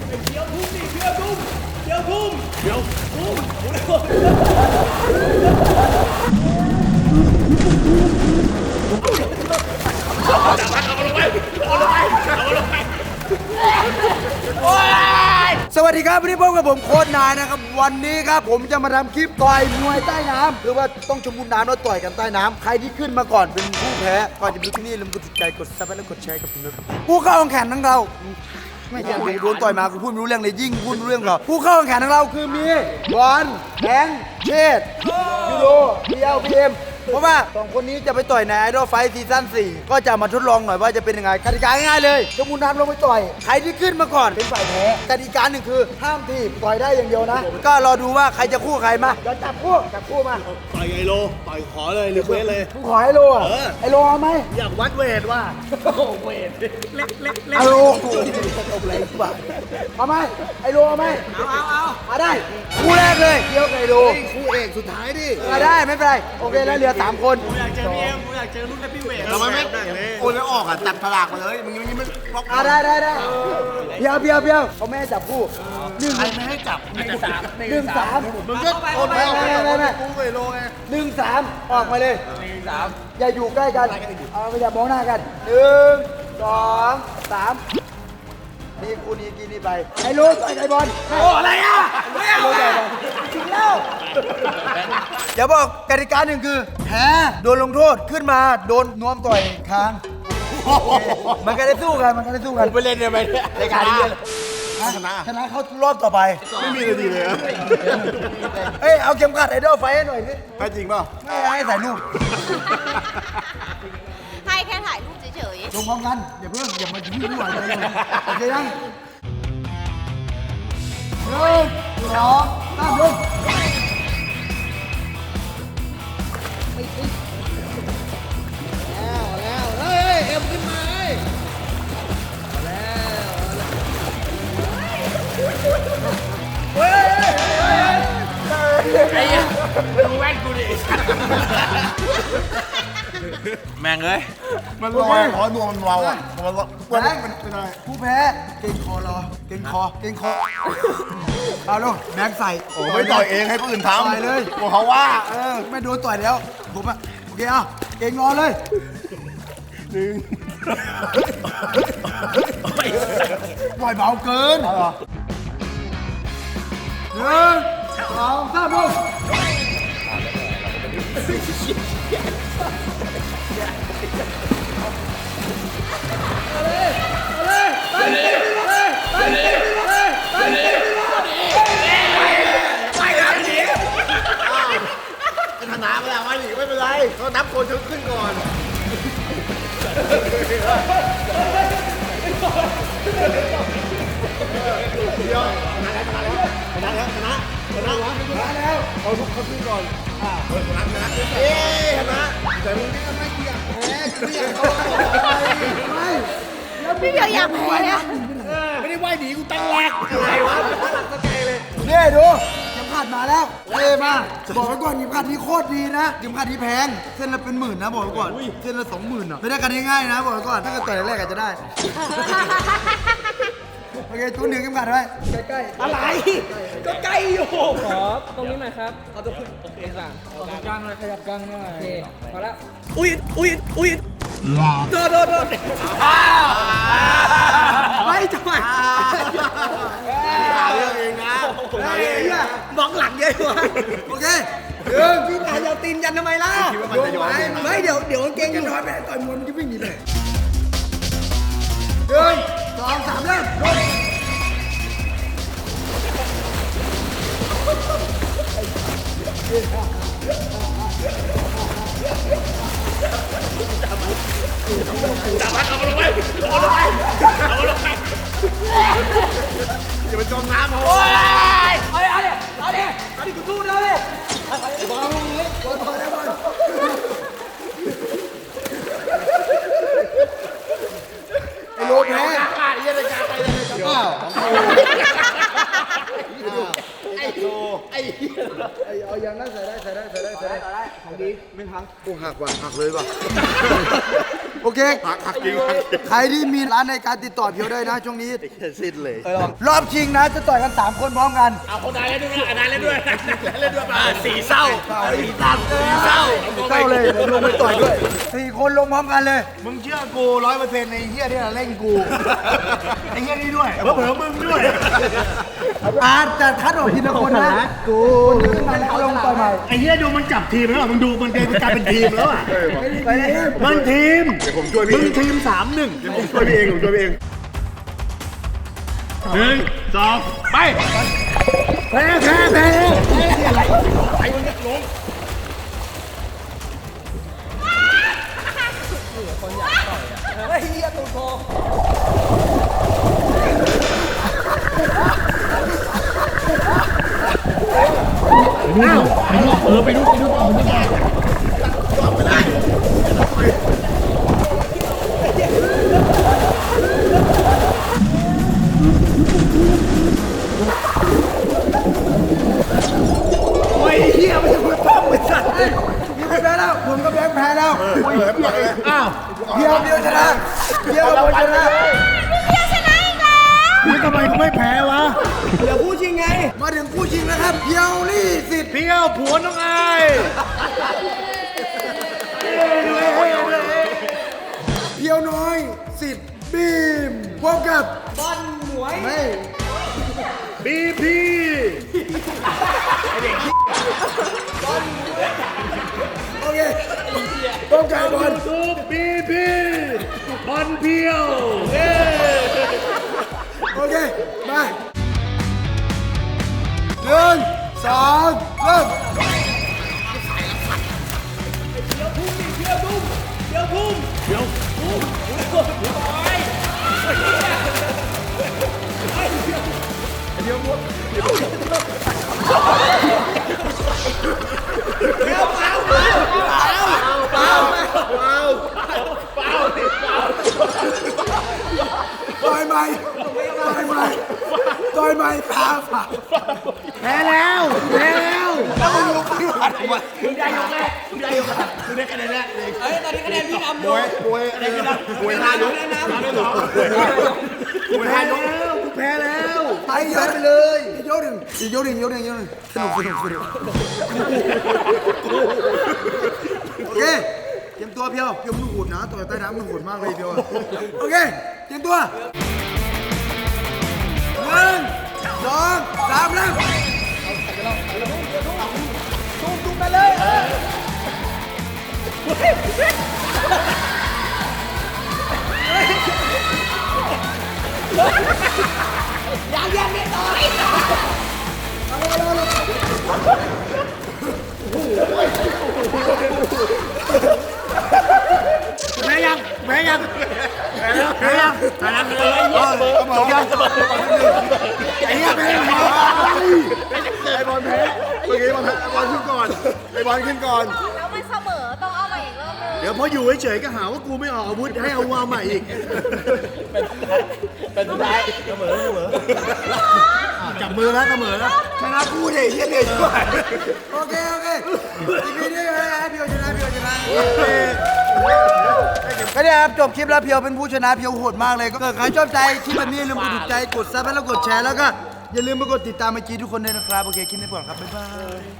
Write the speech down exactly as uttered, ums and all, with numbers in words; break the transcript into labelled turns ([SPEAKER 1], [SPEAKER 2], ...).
[SPEAKER 1] เดี๋ยวทุ่มดิเดี๋ยวทุ่มเดี๋ยวทุ่มเดี๋ยวทุ่มจับมันเอาลงไปเอาลงไปเอาลงไป
[SPEAKER 2] สวัสดีครับวันนี้พบกับผมโค้ชนายนะครับวันนี้ครับผมจะมาทำคลิปต่อยมวยใต้น้ำหรือว่าต้องชมบุญน้ำแล้วต่อยกันใต้น้ำใครที่ขึ้นมาก่อนเป็นผู้แพ้ก่อนจะดูที่นี่ลืมกดติดใจกดซับและกดแชร์กับผมด้วยครับผู้เข้าแข่งขันทั้งเราไม่ใช่โดนต่อยมากูพูดไม่รู้เรื่องเลยยิ่งพูดไม่รู้เรื่องเราผู้เข้าแข่งขันทั้งเราคือมีบอลแบงค์เชษยูโรเบียวพีเอ็มเพราะว่าสองคนนี้จะไปต่อยในไอดอลไฟท์ซีซั่นสี่ก็จะมาทดลองหน่อยว่าจะเป็นยังไงกติกาง่ายๆเลยชมบุญน้ำลงไปต่อยใครที่ขึ้นมาก่อนเป็นฝ่ายแพ้กติกาหนึ่งคือห้ามทีบต่อยได้อย่างเดียวนะก็รอดูว่าใครจะคู่ใครมาจะจับคู่จับคู่มา
[SPEAKER 1] ต่อยไอโลต่อยขอเลยหรือเวทเลย
[SPEAKER 2] กูขอไอโลอ่ะไอโลเอาไหม
[SPEAKER 1] อยากวัดเวทว่าเวทเล็กเล็กเล็ก
[SPEAKER 2] ไอโลตบอะไรบ้าเอาไหมไอโลเอาไหม
[SPEAKER 1] เอาเอาเอา
[SPEAKER 2] มาได้คู่แรกเลยเกี่ยวกับไอโล
[SPEAKER 1] คู่เอกสุดท้ายดิ
[SPEAKER 2] มาได้ไม่เป็นไรโอเคแล้วเหลือสามคน
[SPEAKER 1] ผมอยากเจอพี่เอ็มผมอยากเจอรุ่นแฮปปี้เวท
[SPEAKER 3] ทำไมไม่โอนแล้วออกอ่ะจับฉลากมาเลยมึงยังไม่บล็อก
[SPEAKER 2] อ่ะได้ได้ได้เพียวเพียวเพียวเขาไม่ให้จับคู่หนึ่ง
[SPEAKER 3] ใครไม่ให้จับ
[SPEAKER 1] หนึ่งสาม
[SPEAKER 2] หนึ่งสาม
[SPEAKER 3] มึงก็โอนไปไม่ไม่ไม่กูไปโลไง
[SPEAKER 2] หนึ่งสามออกมาเลย
[SPEAKER 1] หนึ่งสาม
[SPEAKER 2] อย่าอยู่ใกล้กันเอาไม่อย่ามองหน้ากันหนึ่งสองสามนี่คู่นี้กินนี่ไปไอ้ลูกไอ้บอล
[SPEAKER 1] โอ้อะไรอ่ะไม่เอา
[SPEAKER 2] ถึงแล้วอย่าบอกกติกาหนึ่งคือแพ้โดนลงโทษขึ้นมาโดนนวมต่อยคางมันก็ได้สู้กันมันก็ได้สู้กัน
[SPEAKER 1] ไปเล่นยังไงเนี่ย
[SPEAKER 2] รายการนี้ชนะชนะเขารอบต่อไป
[SPEAKER 3] ไม่มีเลยดีเลย
[SPEAKER 2] เอ้ยเอาเข็มขัดไอดอลไฟให้หน่อยสิ
[SPEAKER 3] ให้จริงเปล่า
[SPEAKER 2] ไม่ให้ถ่ายรูป
[SPEAKER 4] ให้แค่ถ่ายรูปเฉย
[SPEAKER 2] ๆลงพร้อมกันอย่าเพิ่งอย่ามายุ่งยุ่งอะไรเลยโอเคยังหนึ่งสองสามลง
[SPEAKER 1] แล้วแล้วเฮ้ยเอ็มขึ้นมาเฮ้ยแล้วเฮ้ยไอ้ยังดูแว่นกูดิแม่งเลย
[SPEAKER 3] มันลอยร้อนนัวมันเบาอ่ะมันร้อนมันเป็นอะไร
[SPEAKER 2] ผู้แพ้เก่งคอรอเก่งคอเก่งคอเอาลงแบงค์ใส่
[SPEAKER 3] โอ้ไม่ต่อยเองให้ผู้อื่นทำ
[SPEAKER 2] ต่อยเลย
[SPEAKER 3] บอกเขาว่า
[SPEAKER 2] เออไม่โดนต่อยแล้วผมอ่ะโอเคอ่ะเก่งรอเลย
[SPEAKER 3] หนึ่ง
[SPEAKER 2] ปล่อยเบาเกินหนึ่งสองสามลง
[SPEAKER 3] ชนะมาแล้วว่าหนีไม่เป็นไรเขานับคนชุดขึ้นก่อนเดี๋ยวชนะแล้วชนะแล้วชนะแล้วชนะชนะชนะแล้วเขาทุกเขาขึ้นก่อนอ่าชนะชนะเอ๊ะชนะแต่มึงนี่ไม่อยากแพ้ไม่อยากเขาไม่
[SPEAKER 4] ๆพี่เดียวอยากแพ้
[SPEAKER 1] ไม่ได้ว่ายหนีกูตั้งแรกอะไรวะหลักสเกลเลย
[SPEAKER 2] นี่ดูเข็มขัดมาแล้วเท่มากบอกไว้ก่อนเข็มขัดนี้โคตรดีนะเข็มขัดนี้แพงเส้นละเป็นหมื่นนะบอกไว้ก่อนเส้นละสองหมื่นอ่ะไม่ได้กันง่ายๆนะบอกไว้ก่อนถ้าเกิดต่อยแรกอาจจะได้โอเคตัวหนึ่งเข็มขัดไว้ใกล้ๆ
[SPEAKER 1] อะไรก็ใกล้อยู่
[SPEAKER 5] ขอตรงนี้หน่อยครับเอาตัวโอเคสั่งขยับกลางหน่อยขยับกลางหน่อยโอเคพอแล้ว
[SPEAKER 1] อุ้ยอุ้ยอุ้ยโดนโดนโดนไม่จังหวะ
[SPEAKER 3] เรื่องเองนะ
[SPEAKER 1] มองหลังเยอะวะ
[SPEAKER 2] โอเค
[SPEAKER 1] เรื่องพี่ตายเอาตีนยันทำไมล่ะไม่เดี๋ยวเดี๋ยวเก่งอยู่
[SPEAKER 2] น้อยไปต่อยมวยมันจะวิ่งหนีเลยหนึ่งสองสามเริ่ม
[SPEAKER 1] จับมันเอาลงไปเอาลงไปเอาลงไป
[SPEAKER 3] อย่าไปจมน้ำเขา
[SPEAKER 1] โอ้ยเอาดิเอาดิเอาดิเอาดิกูสู้เลยบอลลงเลยบอลบอลบอล
[SPEAKER 2] ไอ้โลแพ้
[SPEAKER 1] ไอ้ยันจะไปเลยจะบ้าไอ้โลไอ้
[SPEAKER 2] ไอ้เอาอย่างนั้นใส่ได้ใส่ได้ใส่ได้ใส่ได้
[SPEAKER 1] ของดีไม่พัง
[SPEAKER 2] กูหักว่ะหักเลยว่ะโอเค
[SPEAKER 3] หักหักจริงหักจริง
[SPEAKER 2] ใครที่มีร้านในการติดต่อเพียวได้นะช่วงนี้
[SPEAKER 3] สิ้นเลย
[SPEAKER 2] รอบชิงนะจะต่อยกันสามคนพร้อมกัน
[SPEAKER 1] เอาคนใดเล่นด้วยอันนั้นเล่นด้วยเล่นด้วยมาสีเศร้าสีดำสีเศร้า
[SPEAKER 2] เข้าเลยผมลงไปต่อยด้วยสี่คนลงพร้อมกันเลย
[SPEAKER 3] มึงเชื่อกูร้อยเปอร์เซ็นต์ในเฮียที่เล่นกูไอ้เฮียนี่ด้วยเผื่อมึงด้วย
[SPEAKER 2] อาจจะคัดออกทีละคนนะกูคนที่ขึ้นมาแล้วลงต่อยใหม่
[SPEAKER 3] ไอ้เฮียดูมันจับทีมแล้วมึงดูมันกลายเป็นทีมแล้วอ่ะ
[SPEAKER 2] ไปเลย
[SPEAKER 3] มันทีมเดี๋ยวผมช่วยพี่มึงทีมสามหนึ่งเดี๋ยวผมช่วยพี่เองผมช่วยพี่เองหนึ่งสองไปแพ้แพ้แพ้อะไรไอ้มึงจะลง
[SPEAKER 5] เฮ้ยเฮียตูดโพ
[SPEAKER 3] โอ้ยเฮียไม่ใช่คนปั้มไอ้สัตว์
[SPEAKER 2] พี่แพ้แล้วผมกับแบงค์แพ้แล้ว
[SPEAKER 3] อ้าว
[SPEAKER 2] เพียวเพียวชนะเพียวกับผมชนะ
[SPEAKER 4] เพียวชนะอีกแล้ว
[SPEAKER 3] นี่ทำไมกูไม่แพ้วะ
[SPEAKER 2] เดี๋ยวผู้ชิงไง มาถึงผู้ชิงนะครับเพียวลี่สิทธิ์
[SPEAKER 3] เพียวผัวน้องไอ
[SPEAKER 2] เพียวน้อยสิทธิ์บีมพบกับบ
[SPEAKER 5] อลหมวย
[SPEAKER 2] ไม่
[SPEAKER 3] บีพี
[SPEAKER 2] โอเคพบกับบอล
[SPEAKER 3] ทูบบีพีบอลเพียวเย้
[SPEAKER 2] โอเคมาหนึ่งสองเริ่ม ต่อยใหม่ต่อยใหม่ต่อยใหม่พาผ่า
[SPEAKER 3] แพ้แล้วแพ้แล้ว
[SPEAKER 2] แล้วมึงลุกขึ้นมาทำไม
[SPEAKER 1] มึงได้ยกแรกมึงได้ยกแรกมึงได้คะแนนแรกเลย
[SPEAKER 5] เฮ้ยตอนนี้คะแนนพี่นำอ
[SPEAKER 3] ม
[SPEAKER 5] ยู่
[SPEAKER 3] วยมวยอะไรกันนะมวยห้ายก
[SPEAKER 5] คะแนนนำ
[SPEAKER 3] มวยห้ายกแล้วกูแพ้แล้ว
[SPEAKER 2] ไปเยอะไปเลยอีกยกหนึ่งอีกยกหนึ่งยกหนึ่งยกหนึ่งสนุกสนุกสนุกโอเคเตรียมตัวเพียวเพียวมันโหดนะต่อยใต้น้ำมันโหดมากเลยเพียวโอเคเตรียมตัวหนึ่งสองสามเริ่ม
[SPEAKER 5] ตุ้มตุ้มไปเลยเออ ยังยังไม่ต่อย
[SPEAKER 3] แพ้ยังแพ้ยังแพ้แล้วแพ้ยังแพ้แล้วจบยังไอ้เหี้ยแพ้ไอ้บอลแพ้เมื่อกี้บอลแพ้บอลขึ้นก่อนไอ้บอลขึ้นก่อน
[SPEAKER 4] แล้วมันเสมอต้องเอามาอีกรอบนึง
[SPEAKER 3] เดี๋ยวพออยู่เฉยๆก็หาว่ากูไม่ออกอาวุธให้เอาวาใหม่อีก
[SPEAKER 1] เป็นสุดท้ายเสมอเสมอ
[SPEAKER 3] จับมือแล้วเสมอแล้ว
[SPEAKER 2] ชนะกูเด็กเฮียเด็กด้วยโอเคโอเคอีพีนี้ให้เพียวชนะเพียวชนะก็ได้ครับจบคลิปแล้วเพียวเป็นผู้ชนะเพียวโหดมากเลยก็ใครชอบใจคลิปแบบนี้อย่าลืมกดถูกใจกดซับแล้วกดแชร์แล้วก็อย่าลืมมากดติดตามไอจีทุกคนด้วยนะครับโอเคคลิปนี้ก่อนครับบ๊ายบาย